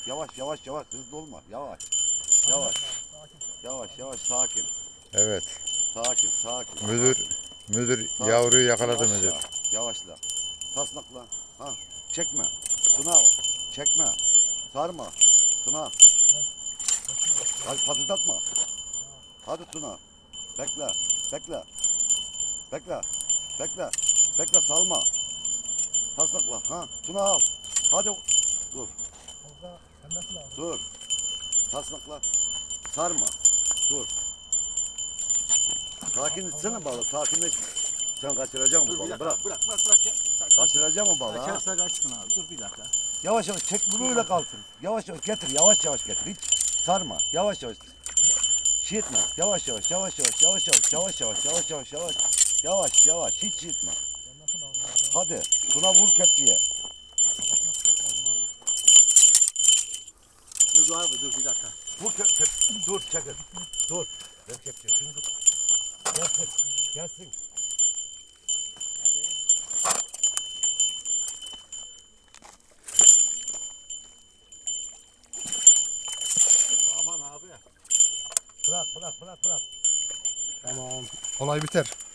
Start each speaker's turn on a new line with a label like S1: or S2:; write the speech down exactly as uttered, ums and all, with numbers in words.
S1: Yavaş yavaş yavaş hızlı olma. Yavaş. Yavaş. Yavaş yavaş sakin.
S2: Evet.
S1: Sakin sakin.
S2: Müdür müdür
S1: Sakin.
S2: yavruyu yakaladı
S1: Yavaşla,
S2: müdür.
S1: Yavaşla. Tasnakla. Ha. Çekme. Tuna çekme. Sarma. Tuna. Hadi patırdatma. Hadi Tuna. Bekle. Bekle. Bekle. Bekle. Bekle salma. Tasnakla. Ha. Tuna al. Hadi. Dur. Dur. Tasnakla. Sarma. Dur. Sakin etsene balığı. Sakinleş. Sen kaçıracaksın bu
S3: Dur bir
S1: balığı.
S3: dakika.
S1: Bırak.
S3: Bırak bırak bırak ya.
S1: Kaçıracaksın o balığı. Ha.
S3: Kaçarsa kaçsın abi. Dur bir dakika.
S1: Yavaş yavaş çek böyle kalsın. Yavaş yavaş getir. Yavaş yavaş getir. Hiç sarma. Yavaş yavaş. Şey etme. Yavaş yavaş yavaş yavaş yavaş yavaş yavaş yavaş yavaş yavaş yavaş yavaş yavaş hiç şey etme. Hadi. Tuna vur kepçeye.
S3: Dur dur abi dur bir dakika.
S1: Vur kep, kep dur çekil. Dur. Ver kepçeyi şunu tut. Gelsin. Gelsin.
S3: Aman abi.
S1: Bırak bırak bırak bırak.
S3: Tamam.
S4: Olay biter.